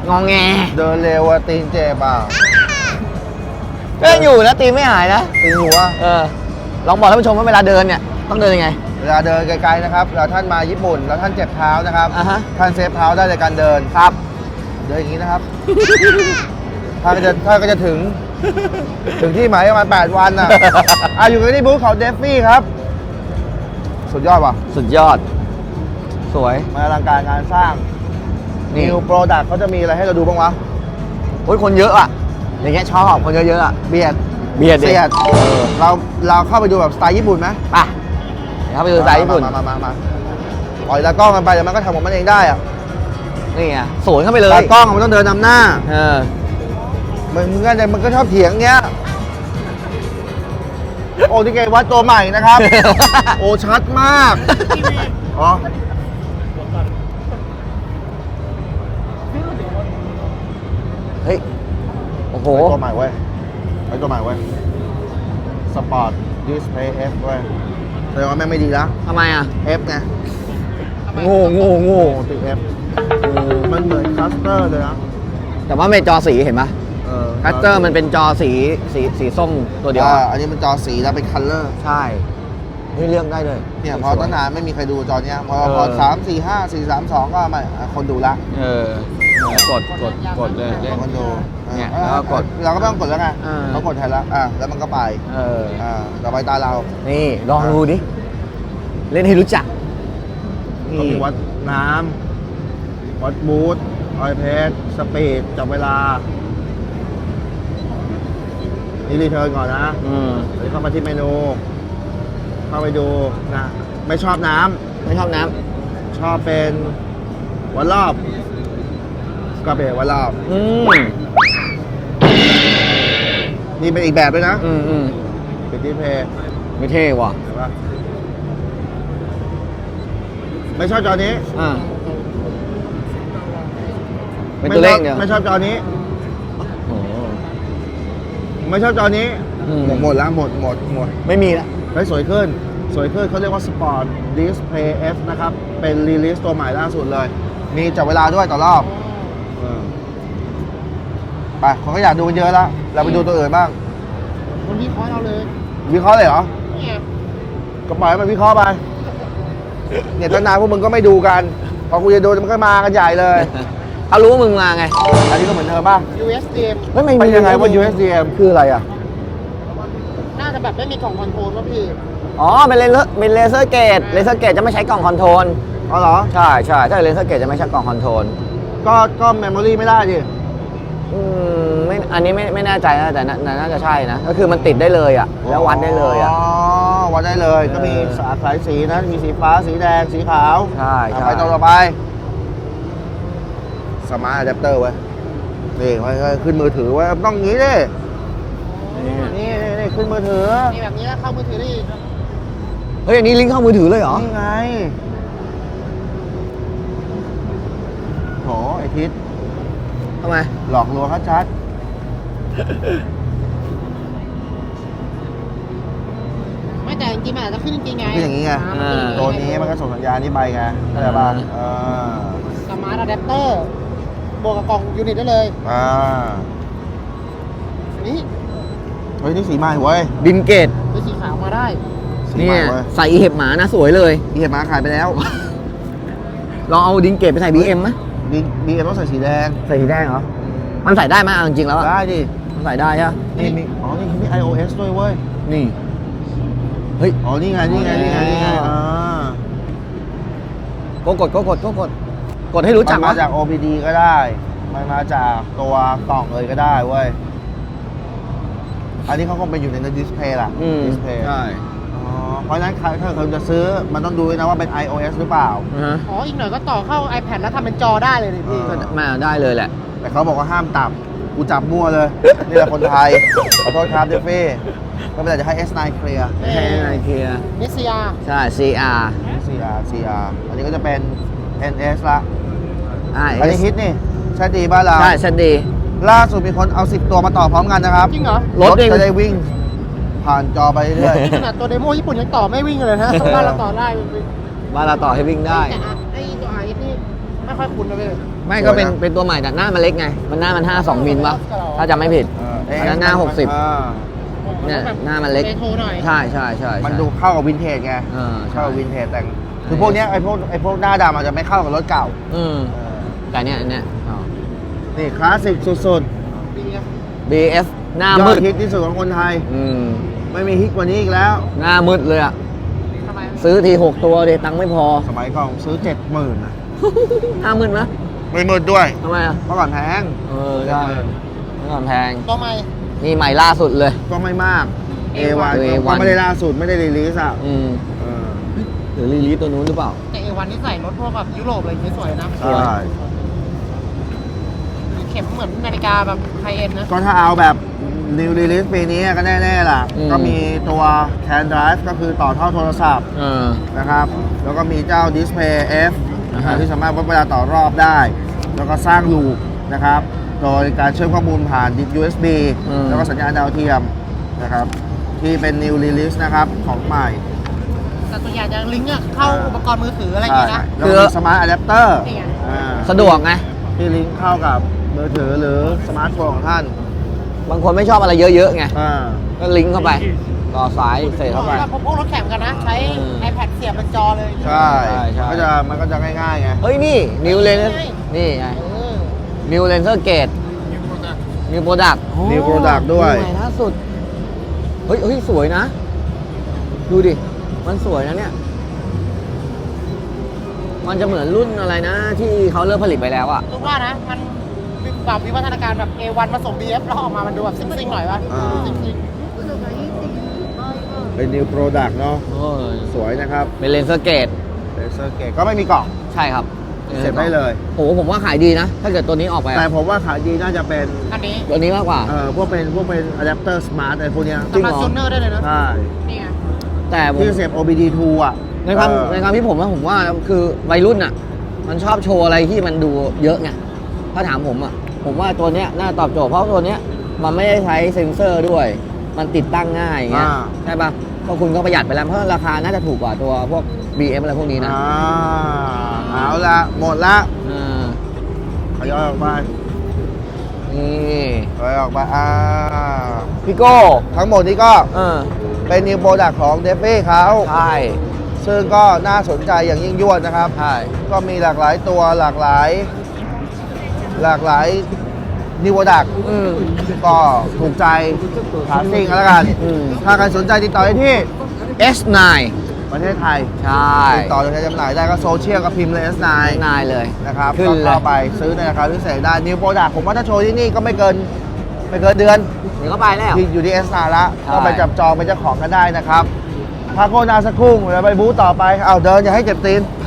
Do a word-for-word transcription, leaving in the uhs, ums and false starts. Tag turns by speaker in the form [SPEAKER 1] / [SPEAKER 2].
[SPEAKER 1] งองแง
[SPEAKER 2] เดินเร็วอะตีนเจ็บอ่ะ
[SPEAKER 1] ก็ยังอยู่นะตีนไม่หายนะ
[SPEAKER 2] ตีนหัว
[SPEAKER 1] เออลองบอกท่านผู้ชมว่าเวลาเดินเนี่ยต้องเดินยังไง
[SPEAKER 2] เวลาเดินไกลๆนะครับแล้วท่านมาญี่ปุ่นแล้วท่านเจ็บเท้านะครับ
[SPEAKER 1] อ่าฮะ
[SPEAKER 2] ท่านเซฟเท้าได้ในการเดิน
[SPEAKER 1] ครับ
[SPEAKER 2] เดินอย่างนี้นะครับ ท่านก็จะท่านก็จะถึง ถึงที่หมายประมาณแปดวันน่ะ อ่ะอยู่กันที่บูธของเดฟฟี่ครับ สุดยอดว่ะ
[SPEAKER 1] สุดยอด สวย
[SPEAKER 2] มาอลังการงานสร้าง
[SPEAKER 1] นี่
[SPEAKER 2] New Product เขาจะมีอะไรให้เราดูบ้างวะ
[SPEAKER 1] โอ้ยคนเยอะอ่ะอย่างเงี้ยชอบคนเยอะๆอ่ะ
[SPEAKER 2] เบียด
[SPEAKER 1] เบียดดิ
[SPEAKER 2] เสียดเราเราเข้าไปดูแบบสไตล์ญี่ปุ่นไหม
[SPEAKER 1] ไปเดี๋ยวเข้าไปดูสไตล์ญี่ปุ่น
[SPEAKER 2] มามามามาปล่อยตากล้องกันไปเดี๋ยวมันก็ทำของมันเองได้อะ
[SPEAKER 1] นี่ไงสวนเข้าไปเลย
[SPEAKER 2] ตากล้องมันต้องเดินนำหน้า
[SPEAKER 1] เออ
[SPEAKER 2] มันมึงก็มันก็ชอบเถียงเงี้ย โอ้ที่เกวัดตัวใหม่นะครับ โอ้ชัดมากอ๋อ
[SPEAKER 1] เฮ้ยโอ้โห
[SPEAKER 2] ไว้ตัวใหม่เว้ยไว้ตัวใหม่เว้ยสปอร์ตดิสเพย์ F เว้ยแสดงว่าแม่งไม่ดีแล้ว
[SPEAKER 1] ทำไมอ่ะ
[SPEAKER 2] F ไง
[SPEAKER 1] โง่โง่โง่
[SPEAKER 2] โอ้ติด F มันเหมือนคัสเตอร์เลยนะ
[SPEAKER 1] แต่ว่าเป็นจอสีเห็นปะ
[SPEAKER 2] เออ
[SPEAKER 1] คัสเตอร์มันเป็นจอสีสีสีส้มตัวเดียว
[SPEAKER 2] อ่าอันนี้มันจอสีแล้วเป็นคัลเลอร์
[SPEAKER 1] ใช่นี่เลือกได้เลย
[SPEAKER 2] เนี่ยพอตั้งนานไม่มีใครดูจอเนี้ยพอ
[SPEAKER 1] เออ
[SPEAKER 2] พอสามสี่ห้าสี่สามสองก็ไม่อ่ะคนดูละ
[SPEAKER 1] เออกดกดกดเลย
[SPEAKER 2] คนดู
[SPEAKER 1] เนี่ย
[SPEAKER 2] ออ
[SPEAKER 1] แล้วก็กด
[SPEAKER 2] เราก็ไม่ต้องกดแล้วไง
[SPEAKER 1] อ่า
[SPEAKER 2] เขากดแทนแล้วอ่ะแล้วมันก็ไป
[SPEAKER 1] เออ
[SPEAKER 2] อ่าต่อไปตาเรา
[SPEAKER 1] นี่ลองดูดิ เล่นให้รู้จัก
[SPEAKER 2] ก็มีวัดน้ำวัดบูทออยเพสสปีดจับเวลา นี่รีเทิร์นก่อนนะ
[SPEAKER 1] อืม
[SPEAKER 2] เดี๋ยวเข้ามาที่เมนู เข้าไปดูนะ ไม่ชอบน้ำ
[SPEAKER 1] ไม่ชอบน้
[SPEAKER 2] ชอบเป็นวันรอบ ก็เป็นวันรอบ
[SPEAKER 1] ำอืม
[SPEAKER 2] นี่เป็นอีกแบบด้วยนะ
[SPEAKER 1] อืมอืม
[SPEAKER 2] เป็นดิสเพย์
[SPEAKER 1] ไม่เท่ว่ะ
[SPEAKER 2] เห็นปะไม่ชอบจอนี้
[SPEAKER 1] อ่าเป็นตัวเลขเดียว
[SPEAKER 2] ไม่ชอบจอนี้
[SPEAKER 1] โอ้โห
[SPEAKER 2] ไม่ชอบจอนี้
[SPEAKER 1] อืม
[SPEAKER 2] หมดหมดแล้วหมดหมดหมด
[SPEAKER 1] ไม่มีละ
[SPEAKER 2] เฮ้ยสวยขึ้น สวยขึ้นเขาเรียกว่า Sport Display F นะครับ เป็นรีลิสตัวใหม่ล่าสุดเลย มีจับเวลาด้วยต่อรอบเออไปคนก็อยากดูกันเยอะแล้ว เราไปดูตัวอื่นบ้าง
[SPEAKER 3] คนที่คอยเราเลย
[SPEAKER 2] วิเคราะห์เลยเหรอ
[SPEAKER 3] เนี่ย
[SPEAKER 2] ก็ปล่อยให้มันวิเคราะห์ไป เนี่ยตั้งนานพวกมึงก็ไม่ดูกัน พอกูจะดูมันก็มากันใหญ่เลย
[SPEAKER 1] เขารู้ว่ามึงมาไง
[SPEAKER 2] อันนี้ก็เหมือนเดิมป่ะ
[SPEAKER 3] ยู เอส ดี เอ็ม
[SPEAKER 1] เฮ้ยไม่
[SPEAKER 2] เป็น
[SPEAKER 1] มี
[SPEAKER 2] ยังไงว่า ยู เอส ดี เอ็ม คืออะไรอ่ะ
[SPEAKER 3] น่าจะแบบไม่มีกล่องคอนโทรลป่ะพี่
[SPEAKER 1] อ๋อเป็นเลเซอร์เป็นเลเซอร์เกตเลเซอร์เกตจะไม่ใช้กล่องคอนโทรล
[SPEAKER 2] อ๋อเหรอ
[SPEAKER 1] ใช่ใช่ถ้าเลเซอร์เกตจะไม่ใช้กล่องคอนโทรล
[SPEAKER 2] ก็ก็เมมโมรี่ไม่ได้ดิ
[SPEAKER 1] อืมไม่อันนี้ไม่ไม่แน่ใจนะแต่น่าแต่น่าจะใช่นะ ก็คือมันติดได้เลยอ่ะ แล้ววัดได้เลยอ่ะ
[SPEAKER 2] อ๋อ วัดได้เลย ก็มี
[SPEAKER 1] เออ
[SPEAKER 2] สายสีนะ มีสีฟ้า สีแดง สีขาว
[SPEAKER 1] ใช่
[SPEAKER 2] อ่ะ
[SPEAKER 1] ใช่
[SPEAKER 2] ไปต่อต่อไป สมาร์ทอะแดปเตอร์ไว้ยนี่ไว้ไว้ขึ้นมือถือไว้ต้องงี้ดิ
[SPEAKER 1] นี่
[SPEAKER 2] นี่นี่นี่ขึ้นมือถือ
[SPEAKER 3] มีแบบนี้แล้วเข้ามือถือได้อีก
[SPEAKER 1] เฮ้ยอันนี้ลิงก์เข้ามือถือเลยเหรอ
[SPEAKER 2] นี่ไงโหไอทิศ
[SPEAKER 1] ทำไม
[SPEAKER 2] หลอกลวงชัด
[SPEAKER 3] ไม่แต่จริงๆมันอาจจะขึ้นจริงๆไง
[SPEAKER 2] ๆคืออย่างงี้ไง
[SPEAKER 1] อ่า
[SPEAKER 2] ตัวนี้มันก็ส่งสัญญาณนี้ไปไงเข้าใจป่ะเออ
[SPEAKER 3] สมาร์ทอะแดปเตอร์บวกกับกล่องยูนิตได้เลย
[SPEAKER 2] อ่า
[SPEAKER 3] นี่
[SPEAKER 2] เฮ้ยนี่สีใหม่เว้ย
[SPEAKER 1] ดินเกต
[SPEAKER 3] เป็นสีขาวมาได้
[SPEAKER 2] สี
[SPEAKER 1] เนี่
[SPEAKER 2] ใหม่
[SPEAKER 1] ย
[SPEAKER 2] เว้ย
[SPEAKER 1] ใส่อีเห็บหมานะสวยเลย
[SPEAKER 2] อีเห็นมาขายไปแล้ว
[SPEAKER 1] ลองเอาดินเกตไปใส่ บี เอ็ม ไหม
[SPEAKER 2] บีบีเอ็มต้องใส่สีแดง
[SPEAKER 1] ใส่สีแดงเหรอ มันใส่ได้ไหมเอาจริงๆแล้วอะ
[SPEAKER 2] ได้ดิ
[SPEAKER 1] มันใส่ได้ใช่ปะ
[SPEAKER 2] นี่มี อ๋อ นี่มี ไอ โอ เอส ด้วยเว้ย
[SPEAKER 1] นี่ เฮ้ย
[SPEAKER 2] อ๋อ นี่ไง นี่ไง นี่ไง นี่ไง อ่า
[SPEAKER 1] ก็กดก็กดก็กด กดให้รู้จัก
[SPEAKER 2] มันมา
[SPEAKER 1] วะ
[SPEAKER 2] จาก โอ พี ดี ก็ได้ มันมาจากตัวกล่องเลยก็ได้เว้ย อันนี้เขาคงเป็นอยู่ในดิสเพย์ล่ะ
[SPEAKER 1] อืม
[SPEAKER 2] ดิสเพย์
[SPEAKER 1] ใช่
[SPEAKER 2] อ๋อ เพราะฉะนั้นใครถ้าเขาจะซื้อ มันต้องดูด้วยนะว่าเป็น ไอ โอ เอส หรือเปล่า
[SPEAKER 1] อ่าฮะ
[SPEAKER 3] อ๋อ อีกหน่อยก็ต่อเข้า iPad แล้วทำเป็นจอได้เลยดิพี่
[SPEAKER 2] เออ
[SPEAKER 1] ก็มาได้เลยแหละ
[SPEAKER 2] แต่เขาบอกว่าห้ามจับ กูจับมั่วเลย นี่แหละคนไทย ขอโทษครับเดฟฟี่ก็ไม่เป็นไรจะให้ เอส ไนน์ เคลียร์
[SPEAKER 1] ให้ไอเคีย
[SPEAKER 3] นิสยา
[SPEAKER 1] ใช่ ซี อาร์
[SPEAKER 2] ซี อาร์ ซี อาร์ อันนี้ก็จะเป็น เอ็น เอส ละ
[SPEAKER 1] อ่า
[SPEAKER 2] อันนี้ฮิตนี่ ใช่ดีบ้านเรา
[SPEAKER 1] ใช่ชัดดี
[SPEAKER 2] ล่าสุดมีคนเอาสิบตัวมาต่อพร้อมกันนะครับ
[SPEAKER 3] จริงเหรอ
[SPEAKER 1] รถเอง
[SPEAKER 2] จะได้วิ่ง ผ่านจอไปเรื่อย
[SPEAKER 3] ขนาดตัวเดโมญี่ปุ่นยังต่อไม่วิ่งเลยนะบ้านเราต่อได้
[SPEAKER 1] บ้านเราต่อให้วิ่งได้
[SPEAKER 3] แต่อะไอตัวไอนี่ไม่ค่อยคุ้นนะพี่
[SPEAKER 1] ไม่ก็เป็น
[SPEAKER 2] สวยนะ
[SPEAKER 1] เป็นตัวใหม่แต่หน้ามันเล็กไง มันหน้ามันห้าสองมิลปะถ้าจำไม่ผิด
[SPEAKER 2] เออ
[SPEAKER 1] อันนั้นหน้าหกสิบ
[SPEAKER 2] อ่า
[SPEAKER 1] เนี่ยหน้ามันเล็ก
[SPEAKER 3] เรโทรหน่อย
[SPEAKER 1] ใช่ใช่ใช่ใช่
[SPEAKER 2] มันดูเข้ากับวินเทจไง
[SPEAKER 1] เออใช่
[SPEAKER 2] เข้ากับวินเทจแต่งคือพวกเนี้ยไอ้พวกไอ้พวกหน้าดำอาจจะไม่เข้ากับรถเก่า
[SPEAKER 1] อืมแต่เนี่ยอันเนี่ยอ๋อ
[SPEAKER 2] นี่คลาสสิกสุด
[SPEAKER 1] บี เอฟ หน้า
[SPEAKER 2] ๆยอ
[SPEAKER 1] มื
[SPEAKER 2] ด
[SPEAKER 1] ด
[SPEAKER 2] ฮิตที่สุดของคนไทย
[SPEAKER 1] อืม
[SPEAKER 2] ไม่มีฮิตกว่านี้อีกแล้ว
[SPEAKER 1] หน้ามืดเลยอะ
[SPEAKER 3] ทำไม
[SPEAKER 1] ซื้อทีหกตัวเดตังค์ไม่พอ
[SPEAKER 2] สมัยก่อนซื้อเจ็ดหมื่นนะ
[SPEAKER 1] หน้ามืดไหม
[SPEAKER 2] ไม่มืดด้วย
[SPEAKER 1] ทำไมอะ
[SPEAKER 2] เมื่อก่อนแพง
[SPEAKER 1] เออใช่เมื่อก่อนแพง
[SPEAKER 3] ตัวใหม่
[SPEAKER 1] นี่ใหม่ล่าสุดเลย
[SPEAKER 2] ก็ไม่มาก เอ
[SPEAKER 3] เอวั
[SPEAKER 2] วัน
[SPEAKER 3] น
[SPEAKER 2] ก็ไม่ได้ล่าสุดไม่ได้รีลิสอ่ะ
[SPEAKER 1] อืม
[SPEAKER 2] เออ
[SPEAKER 1] หรือรีลีสตัวนู้นหรือเปล่า
[SPEAKER 3] แต่เอวันนี่ใส่รถพวกแบบยุโรปอะไรอย่างเงี้ยสวยนะ
[SPEAKER 2] ใช่
[SPEAKER 3] เข็มเหมือนนาฬิกาแบบไฮเอ็นนะ
[SPEAKER 2] ก็ถ้าเอาแบบ New Release ปีนี้ก็แน่ๆล่ะ
[SPEAKER 1] อืม
[SPEAKER 2] ก็มีตัว Can Drive ก็คือต่อท่อโทรศัพท์
[SPEAKER 1] เออ
[SPEAKER 2] นะครับ แล้วก็มีเจ้า Display F
[SPEAKER 1] อ่าฮะ
[SPEAKER 2] ที่สามารถวัดเวลาต่อรอบได้ แล้วก็สร้างลูปนะครับ โดยการเชื่อมข้อมูลผ่าน ยู เอส บี แล้วก็สัญญาณดาวเทียมนะครับ ที่เป็น New Release นะครับ ของใหม่
[SPEAKER 3] แต่ตัวใหญ่จะลิงก์อะเข้าอุปกรณ์มือถืออะไรอย่างเงี้ยนะ
[SPEAKER 2] แล้วก็มี Smart Adapter
[SPEAKER 3] นี่ไง
[SPEAKER 2] อ่า
[SPEAKER 1] สะดวกไง
[SPEAKER 2] ที่ลิงก์เข้ากับมือถือหรือสมาร์ทโฟนของท่าน
[SPEAKER 1] บางคนไม่ชอบอะไรเยอะๆไง
[SPEAKER 2] อ่า
[SPEAKER 1] ก็ลิงก์เข้าไป ต่อสายเสร็จเข้าไป
[SPEAKER 3] พวกรถแข่งกันนะ ใช้
[SPEAKER 1] อืม
[SPEAKER 3] iPad เสียบเป็นจอเลย
[SPEAKER 2] ใช่
[SPEAKER 1] ใช่ใช่
[SPEAKER 2] มันก็จะมันก็จะง่ายๆไง
[SPEAKER 1] เฮ้ยนี่นิวเลน
[SPEAKER 3] ใช่
[SPEAKER 1] นี่ไง
[SPEAKER 3] เออ
[SPEAKER 1] นิวเลนเซอร์เกตนิวโปรดักต์
[SPEAKER 2] New Product ด้วย
[SPEAKER 1] ใหม่ล่าสุด เฮ้ยเฮ้ยสวยนะ ดูดิ มันสวยนะเนี่ย มันจะเหมือนรุ่นอะไรนะ ที่เขาเลิกผลิตไปแล้วอะ
[SPEAKER 3] รู้ว่านะ มันแบบวิวัฒนาการแบบ เอวัน ผสม บี เอฟ แล้วออกมามันดูแบบซิงๆหน่อยวะ
[SPEAKER 2] อ่า
[SPEAKER 3] ซิง
[SPEAKER 2] เป็น New Product เนาะ
[SPEAKER 1] โอ้ย
[SPEAKER 2] สวยนะครับ
[SPEAKER 1] เป็นเลนเซอร์เกต
[SPEAKER 2] เลเซอร์เกตก็ไม่มีกล่อง
[SPEAKER 1] ใช่ครับ
[SPEAKER 2] เสร็จได้เลย
[SPEAKER 1] โอ้โหผมว่าขายดีนะ ถ้าเกิดตัวนี้ออกไปอะ
[SPEAKER 2] แต่ผมว่าขายดีน่าจะเป็น
[SPEAKER 3] ๆอันนี้
[SPEAKER 1] ตัวนี้มากกว่า
[SPEAKER 2] เอ่อพวกเป็นพวกเป็นอะแดปเตอร์สมาร์ทอะไรพวกเนี้ย
[SPEAKER 1] จริง
[SPEAKER 3] สำห
[SPEAKER 1] เหร
[SPEAKER 3] รับ
[SPEAKER 1] อ
[SPEAKER 3] จูเนอร์ได้เลยนะ
[SPEAKER 2] ใช่
[SPEAKER 3] นี่ไง
[SPEAKER 1] แต่ผม
[SPEAKER 2] ที่เสียบ โอ บี ดี ทู อ่ะ
[SPEAKER 1] ในความ
[SPEAKER 2] เออ
[SPEAKER 1] ในความที่ผมว่าผมว่าคือวัยรุ่นอ่ะ มันชอบโชว์อะไรที่มันดูเยอะไง ถ้าถามผมอ่ะ ผมว่าตัวเนี้ยน่าตอบโจทย์เพราะตัวเนี้ยมันไม่ได้ใช้เซ็นเซอร์ด้วย มันติดตั้งง่ายอย่างเงี้ย
[SPEAKER 2] อ่า
[SPEAKER 1] ใช่ปะก็คุณก็ประหยัดไปแล้วเพราะราคาน่าจะถูกกว่าตัวพวก บี เอ็ม อะไรพวกนี้นะ
[SPEAKER 2] อ่าเอาละหมดละ
[SPEAKER 1] อ่า
[SPEAKER 2] ขยอยออกไป
[SPEAKER 1] นี่
[SPEAKER 2] ขยอยออกไปอ่า
[SPEAKER 1] พี่โก้
[SPEAKER 2] ทั้งหมดนี้ก็
[SPEAKER 1] เออ
[SPEAKER 2] เป็น New Product ของเดฟฟี่เขา
[SPEAKER 1] ใช่
[SPEAKER 2] ซึ่งก็น่าสนใจอย่างยิ่งยวดนะครับ
[SPEAKER 1] ใช่
[SPEAKER 2] ก็มีหลากหลายตัวหลากหลาย หลากหลายนิวดัก
[SPEAKER 1] อืม
[SPEAKER 2] ก็ถูกใจขาซิ่งกันแล้วกัน
[SPEAKER 1] อืม
[SPEAKER 2] ถ้าใครสนใจติดต่อได้ที่
[SPEAKER 1] เอส ไนน์
[SPEAKER 2] ประเทศไทย
[SPEAKER 1] ใช่
[SPEAKER 2] ติดต่อโดยใช้จำหน่ายได้ก็โซเชียลกับพิมพ์เลย เอส ไนน์
[SPEAKER 1] นายเลย
[SPEAKER 2] นะครับ
[SPEAKER 1] ขึ้น
[SPEAKER 2] ก็
[SPEAKER 1] เลย
[SPEAKER 2] เข้าไปซื้อในราคาพิเศษได้นิวโปรดักผมว่าถ้าโชว์ที่นี่ก็ไม่เกินไม่เกินเดือน
[SPEAKER 1] เดี๋ยวก็ไปแล้ว
[SPEAKER 2] ที่อยู่ที่ เอส ไนน์ ละ
[SPEAKER 1] ใช่
[SPEAKER 2] ก็ไปจับจองเป็นเจ้าของกันได้นะครับพักโฆษณาสักครู่เดี๋ยวไปบูธต่อไปเอาเดินอย่าให้เจ็บตีน